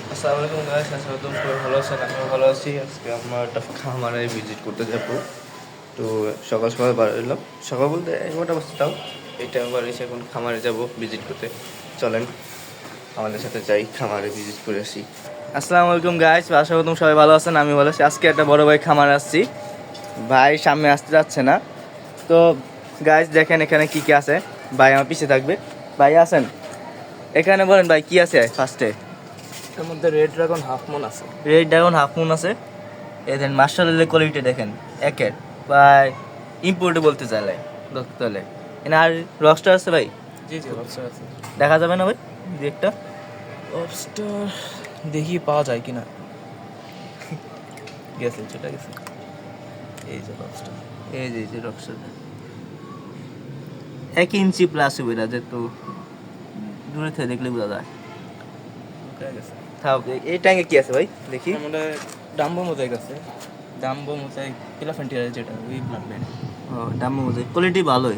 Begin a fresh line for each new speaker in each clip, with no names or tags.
আসসালামু আলাইকুম গাইস, আশা করি সবাই ভালো আছেন। আমিও ভালো আছি। আজকে আমরা একটা খামারে ভিজিট করতে যাব। তো সকাল সকাল বার হইলাম, সকাল বলতে 11টা বাজে, তাও এই টাইম বার এসে এখন খামারে যাব ভিজিট করতে। চলেন আমাদের সাথে যাই, খামারে ভিজিট করে আসি। আসসালামু আলাইকুম গাইস, আশা করি সবাই ভালো আছেন। আমি ভালো আছি। আজকে একটা বড় ভাই খামারে আসছি, ভাই সামনে আসতে যাচ্ছে না। তো গাইস দেখেন এখানে কি কি আছে। ভাই আমার পিছিয়ে থাকবে। ভাই আছেন এখানে, বলেন ভাই কি আছে ফার্স্টে।
এর মধ্যে রেড ড্রাগন হাফ মুন আছে।
রেড ড্রাগন হাফ মুন আছে। এই দেন মার্শালের কোয়ালিটি দেখেন, একের ভাই ইম্পোর্ট বলতে চাইলে ধরতে হলে। এখানে আর রকস্টার আছে ভাই,
জি জি লবস্টার আছে।
দেখা যাবে না ভাই দু একটা?
লবস্টার দেখি পাওয়া যায় কিনা। গেছে, চলে গেছে। এই যে লবস্টার।
এই যে রকস্টার 1 ইঞ্চি প্লাস হবে না, যেহেতু দূরে থেকে দেখলে বোঝা যায়।
উঠে গেছে।
তাও এই ট্যাঙ্কে কি আছে ভাই দেখি।
আমাদের ডাম্বো মোজাইক আছে। ডাম্বো মোজাইক ইলাফেন্টিয়ার যেটা ওই ব্লাড ব্যান্ড।
ও দামি মধ্যে কোয়ালিটি ভালোই।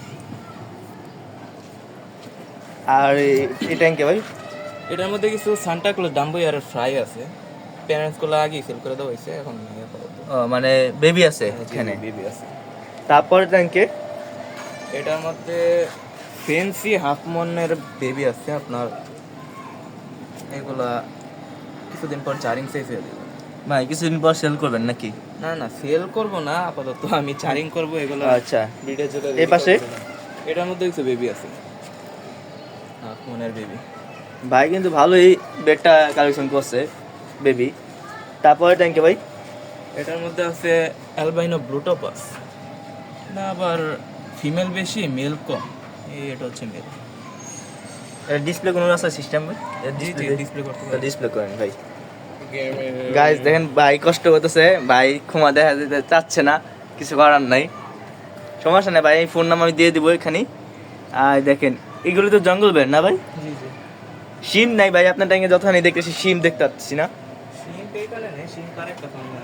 আর এই ট্যাঙ্কে ভাই
এটার মধ্যে কিছু সান্টা ক্লজ ডাম্বো আর ফ্রাই আছে। প্যারেন্টসগুলো আগেই সেল করে দেওয়া হয়েছে, এখন নেই আপাতত।
ও মানে বেবি আছে এখানে।
বেবি আছে।
তারপরে ট্যাঙ্কে
এটার মধ্যে ফেন্সি হাফ মনের বেবি আছে আপনার। এগুলা কিছুদিন পর চারিং শেষ হয়ে যাবে।
ভাই কিছুদিন পর সেল করবেন নাকি?
না না, সেল করব না আপাতত, আমি চারিং করব এগুলো।
আচ্ছা,
ব্রিডের জন্য
এই পাশে
এটার মধ্যে কিছু বেবি আছে, হাফ মনের বেবি।
ভাই কিন্তু ভালোই বেডটা কালেকশন করছে বেবি। তারপরে ট্যাঙ্কে ভাই
এটার মধ্যে আছে অ্যালবাইনো ব্লুটোপাস। না আবার ফিমেল বেশি মেল কম। এটা হচ্ছে মেল।
ডিসপ্লে কোনো আছে সিস্টেম ভাই?
জি জি ডিসপ্লে করতে পারি।
ডিসপ্লে করেন ভাই। গাইস দেখেন ভাই কষ্ট করতেছে, ভাই ক্ষমা দেখা যেতে চাচ্ছে না, কিছু করার নাই। সমস্যা নেই ভাই, এই ফোন নাম্বার আমি দিয়ে দিব এখানে। আর দেখেন এগুলো তো জঙ্গল বেড না ভাই?
জি জি।
সিম নাই ভাই আপনার ট্যাঙ্কে, যতখানি দেখতেছি সিম দেখতে পাচ্ছি না।
সিম এইখানে নেই, সিম কানেক্ট আছে।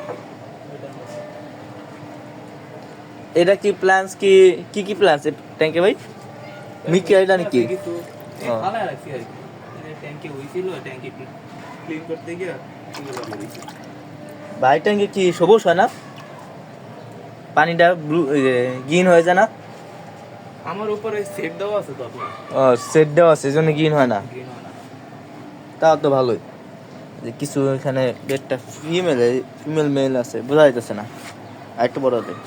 এটা কি প্ল্যান্স, কি কি কি প্ল্যান্স ট্যাঙ্কে ভাই? মিকি আইডা নাকি?
কিছু
ও।
ফালা রাখছি আর কি। ট্যাঙ্কি হইছিল, ট্যাঙ্কি ক্লিন করতে গিয়ে এগুলো বেরিয়েছে।
ভাই ট্যাঙ্কে কি সবুজ হয় না? পানিটা ব্লু গ্রিন হয়ে যায় না?
আমার উপরে সেট দেওয়া আছে তো আপনার।
ও সেট দেওয়া আছে, এই জন্য গ্রিন হয় না।
গ্রিন হয় না।
তাও তো ভালোই। যে কিছু এখানে বেডটা ফিমেল মেল আছে, বোঝা যাইতেছে না। আর একটু বড় হবে।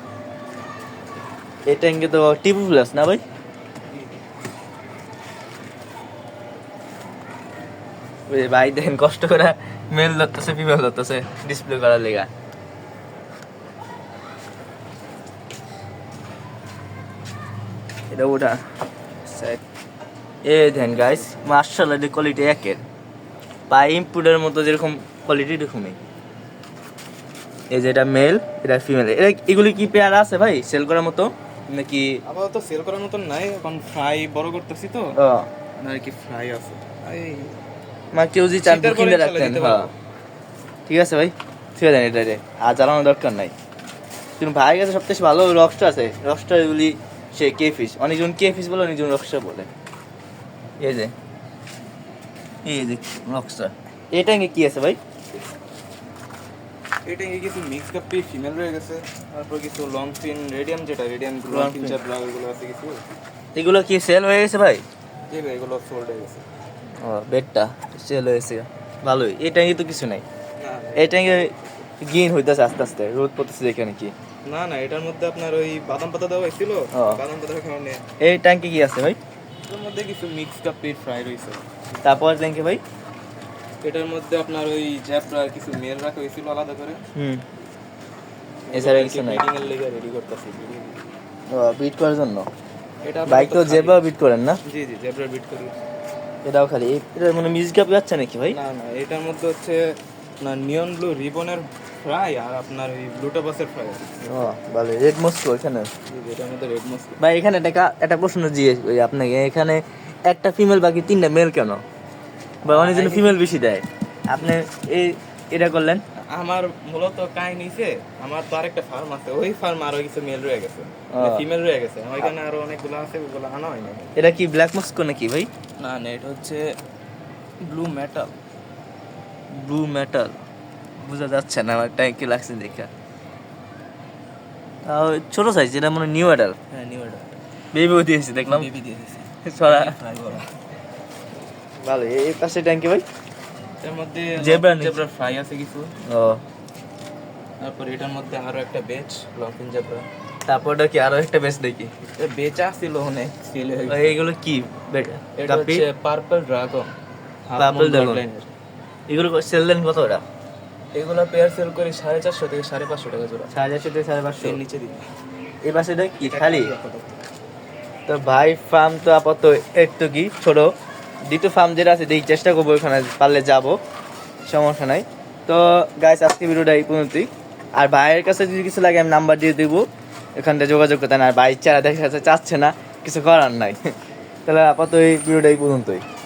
এই ট্যাঙ্কে তো টিপু প্লাস না ভাই? ওই ভাই দেখেন কষ্ট করে মেল ধরতেছে ফিমেল ধরতেছে ডিসপ্লে করার লেগা। এটা ওটা এ দেখেন গাইস, মার্শাল্লাহ কোয়ালিটি একের। বা ইম্পুটের মতো যেরকম কোয়ালিটি এরকমই। এই যে এটা মেল, এটা ফিমেল। এগুলি কি পেয়ার আছে ভাই সেল করার মতো নাকি?
আপাতত সেল করার মতন নাই, এখন ফ্রাই বড় করতেছি তো।
ও
না আর কি ফ্রাই আছে। এই
মা কেউ যদি চান
শীতের পরে
কিনে
ইনশাল্লাহ
রাখতেন।
দিতে
হ্যাঁ
পারবো।
ঠিক আছে ভাই, ঠিক আছে এটা আর জ্বালানোর দরকার নাই। কিন্তু ভাইয়ের কাছে সবথেকে ভালো রকস্টার আছে। রকস্টার এগুলি সে কে ফিশ, অনেকজন কে ফিশ বলে, অনেকজন রকস্টার বলে। এই যে রকস্টার। এটা কি আছে ভাই?
এটা কিছু মিক্স কাপি ফিমেল রয়ে গেছে, তারপর কিছু লং ফিন রেডিয়াম, যেটা radium long
Long
fin
fin।
চাপ ব্লাগ এগুলো আছে কিছু।
এগুলো কি সেল হয়ে গেছে ভাই?
জি ভাই, এগুলো সোল্ড হয়ে গেছে।
ও বেডটা সেল হয়েছে, ভালোই। এই ট্যাঙ্কে তো কিছু নাই।
না
এই ট্যাঙ্কে গ্রিন হইতেছে আস্তে আস্তে, রোদ পড়তেছে এখানে কি।
না না, এটার মধ্যে আপনার ওই বাদাম পাতা দেওয়া হয়েছিল,
ও।
বাদাম পাতার কারণে
এই ট্যাঙ্কে কি আছে ভাই?
এটার মধ্যে কিছু মিক্স কাপি ফ্রাই রয়েছে।
তারপর ট্যাঙ্কে ভাই
এটার মধ্যে আপনার ওই জ্যাপরা কিছু মেল রাখা হয়েছিল আলাদা করে।
এছাড়া কিছু নাই।
ব্রিডিং এর লেগে রেডি করতেছি।
ও বিট করার জন্য।
এটা
বাইক তো জেবা বিট করেন না?
জি জি জেব্রা বিট করি।
এটাও খালি এটা মানে মিউজিক আপ যাচ্ছে নাকি ভাই?
না না, এটার মধ্যে হচ্ছে আপনার নিয়ন ব্লু রিবনের ফ্রাই আর আপনার ওই ব্লুটোপাসের ফ্রাই আছে।
ও ভালো। রেড মস্কো এখানে
এটার মধ্যে রেড মস্ক।
ভাই। এখানে একটা প্রশ্ন জিজ্ঞেস করি আপনাকে, এখানে একটা ফিমেল বাকি 3টা মেল কেন? বা অনেকজন ফিমেল বেশি দেয়, আপনি এই এটা করলেন?
আমার মূলত কাহিনী নিছে, আমার তো আরেকটা ফার্ম আছে, ওই ফার্ম আরো কিছু মেল রয়ে গেছে,
ও।
ফিমেল রয়ে গেছে, ওইখানে আরো অনেকগুলো আছে, ওগুলো আনা হয়নি।
এটা কি ব্ল্যাক মস্কো নাকি ভাই?
না না, এটা হচ্ছে ব্লু মেটাল।
ব্লু মেটাল বোঝা যাচ্ছে না আমার ট্যাঙ্কি লাগছে দেখা। তাও ছোট সাইজ, এটা মনে নিউ অ্যাডাল।
হ্যাঁ নিউ এটা
বেবিও দিয়েছি দেখলাম।
বেবি দিয়ে দিয়েছি
ছড়া
ফ্রাই করা।
ভালো। এই পাশে ট্যাঙ্কি ভাই
এর মধ্যে
Zebra নেই।
জেব্রা ফ্রাই আছে কিছু।
ও,
তারপর এটার মধ্যে আরো একটা বেচ লফিন জেব্রা।
তারপরটা কি আরো একটা বেশ দেখি।
বেচা ছিল অনেক সেল হয়ে গেছে।
এইগুলো কি বেটা?
এটা
কাপি?
হচ্ছে পার্পল ড্রাগন।
Purple dragon। এগুলো সেল দেন কত ওটা?
এগুলো পেয়ার সেল করি 450 থেকে 550 টাকা জোড়া।
450 থেকে 550।
এর নিচে দিই
এই পাশে এটা কি খালি? তো ভাই ফার্ম তো আপাতত একটু কি ছোট, দ্বিতীয় ফার্ম যেটা আছে দেখি চেষ্টা করবো, ওখানে পারলে যাব, সমস্যা নাই। তো গাইস আজকে ভিডিওটা এই পর্যন্তই। আর ভাইয়ের কাছে যদি কিছু লাগে আমি নাম্বার দিয়ে দেবো, এখানটা যোগাযোগ করতে। আর ভাই চারা দেখা যাচ্ছে চাচ্ছে না, কিছু করার নাই। তাহলে আপাতত এই ভিডিওটা এই পর্যন্তই।